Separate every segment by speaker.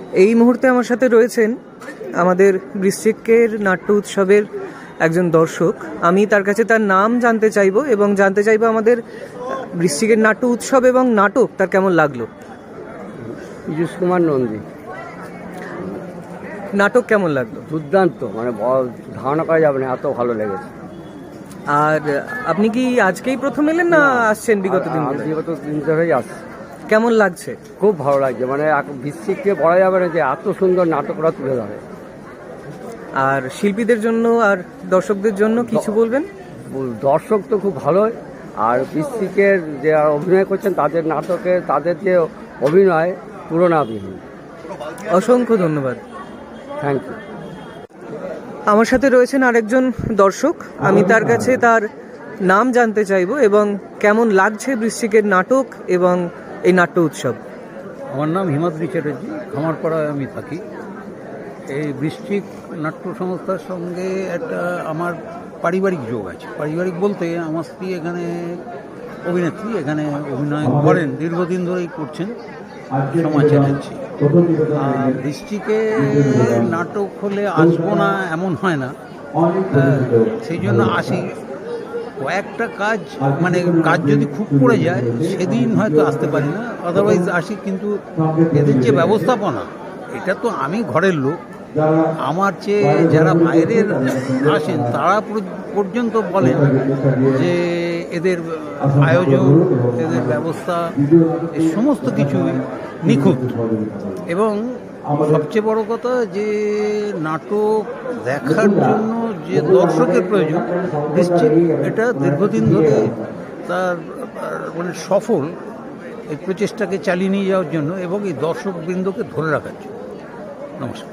Speaker 1: এই মুহূর্তে আমার সাথে রয়েছেন আমাদের বৃশ্চিকের নাট্য উৎসবের একজন দর্শক। আমি তার কাছে তার নাম জানতে চাইবো এবং জানতে চাইবো আমাদের বৃশ্চিকের নাট্য উৎসব এবং নাটক তার কেমন লাগলো।
Speaker 2: পীযূষ কুমার নন্দী।
Speaker 1: নাটক কেমন লাগলো?
Speaker 2: দুর্দান্ত, মানে ধারণা করা যাবে না, এত ভালো লেগেছে।
Speaker 1: আর আপনি কি আজকেই প্রথম এলেন না আসছেন বিগত দিন?
Speaker 2: বিগত দিন ধরেই আসছে।
Speaker 1: কেমন লাগছে?
Speaker 2: খুব ভালো লাগছে, মানে বৃশ্চিককে বলা যাবে না যে এত সুন্দর নাটকরা তুলে ধরে।
Speaker 1: আর শিল্পীদের জন্য আর দর্শকদের জন্য কিছু বলবেন?
Speaker 2: দর্শক তো খুব ভালোই, আর বৃশ্চিকের যে অভিনয় করছেন তাদের নাটকে তাদের যে অভিনয় তুলনাবিহীন।
Speaker 1: অসংখ্য ধন্যবাদ।
Speaker 2: Thank you.
Speaker 1: আমার সাথে রয়েছেন আরেকজন দর্শক। আমি তার কাছে তার নাম জানতে চাইবো এবং কেমন লাগছে বৃশ্চিকের নাটক এবং এই নাট্য উৎসব।
Speaker 3: আমার নাম হিমাদ্রি চ্যাটার্জি, খামারপাড়ায় আমি থাকি। এই বৃশ্চিক নাট্য সংস্থার সঙ্গে একটা আমার পারিবারিক যোগ আছে। পারিবারিক বলতে আমার স্ত্রী এখানে অভিনেত্রী, এখানে অভিনয় করেন, দীর্ঘদিন ধরেই করছেন, সময় চ্যাটার্জি। আর বৃশ্চিকে নাটক হলে আসবো না এমন হয় না, সেই জন্য আসি। কয়েকটা কাজ, মানে কাজ যদি খুব পড়ে যায় সেদিন হয়তো আসতে পারি না, আদারওয়াইজ আসি। কিন্তু এদের যে ব্যবস্থাপনা, এটা তো আমি ঘরের লোক, আমার চেয়ে যারা বাইরের আসেন তারা পর্যন্ত বলেন যে এদের আয়োজন, এদের ব্যবস্থা, এই সমস্ত কিছু নিখুঁত। এবং সবচেয়ে বড় কথা যে নাটক দেখার জন্য যে দর্শকের প্রয়োজন, বৃশ্চিক এটা দীর্ঘদিন ধরে তার মানে সফল এই প্রচেষ্টাকে চালিয়ে নিয়ে যাওয়ার জন্য এবং এই দর্শকবৃন্দকে ধরে রাখার জন্য। নমস্কার।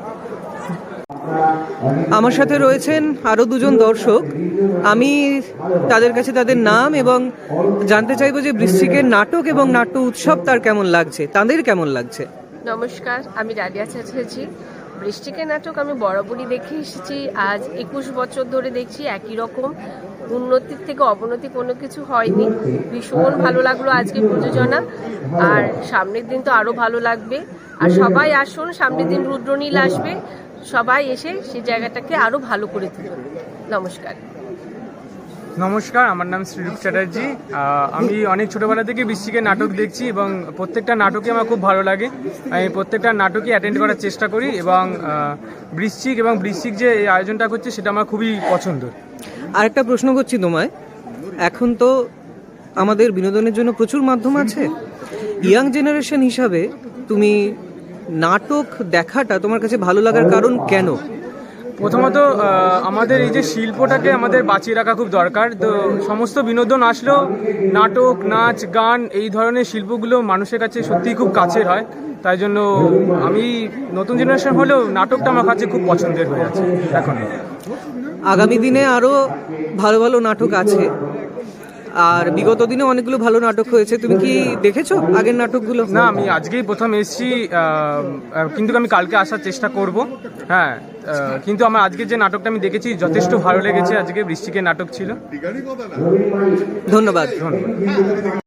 Speaker 1: আমার সাথে রয়েছেন আরও দুজন দর্শক। আমি তাদের কাছে তাদের নাম এবং জানতে চাইবো যে বৃশ্চিকের নাটক এবং নাট্য উৎসব তার কেমন লাগছে, তাদের কেমন লাগছে।
Speaker 4: নমস্কার, আমি রালিয়া চ্যাটার্জি। বৃশ্চিকের নাটক আমি বরাবরই দেখে এসেছি, আজ 21 বছর ধরে দেখছি। একই রকম, উন্নতির থেকে অবনতি কোনো কিছু হয়নি। ভীষণ ভালো লাগলো আজকে প্রযোজনা, আর সামনের দিন তো আরও ভালো লাগবে। আর সবাই আসুন, সামনের দিন রুদ্রনীল আসবে, সবাই এসে সেই জায়গাটাকে আরও ভালো করে তুলুন। নমস্কার।
Speaker 5: নমস্কার, আমার নাম শ্রীরূপ চ্যাটার্জি। আমি অনেক ছোটোবেলা থেকে বৃশ্চিকের নাটক দেখছি এবং প্রত্যেকটা নাটকই আমার খুব ভালো লাগে। আমি প্রত্যেকটা নাটকই অ্যাটেন্ড করার চেষ্টা করি এবং বৃশ্চিক যে এই আয়োজনটা করছে সেটা আমার খুবই পছন্দ।
Speaker 1: আরেকটা প্রশ্ন করছি তোমায়, এখন তো আমাদের বিনোদনের জন্য প্রচুর মাধ্যম আছে, ইয়াং জেনারেশন হিসাবে তুমি নাটক দেখাটা তোমার কাছে ভালো লাগার কারণ কেন?
Speaker 5: প্রথমত আমাদের এই যে শিল্পটাকে আমাদের বাঁচিয়ে রাখা খুব দরকার। তো সমস্ত বিনোদন আসলেও নাটক, নাচ, গান এই ধরনের শিল্পগুলো মানুষের কাছে সত্যিই খুব কাছের হয়। তাই জন্য আমি নতুন জেনারেশন হলেও নাটকটা আমার কাছে খুব পছন্দের হয়ে আছে এখন।
Speaker 1: আগামী দিনে আরও ভালো ভালো নাটক আছে, আর বিগত দিনে অনেকগুলো ভালো নাটক হয়েছে। তুমি কি দেখেছো আগের নাটকগুলো?
Speaker 5: না, আমি আজকেই প্রথম এসেছি, কিন্তু আমি কালকে আসার চেষ্টা করব। হ্যাঁ, কিন্তু আমার আজকে যে নাটকটা আমি দেখেছি যথেষ্ট ভালো লেগেছে। আজকে বৃশ্চিকের নাটক ছিল।
Speaker 1: ধন্যবাদ।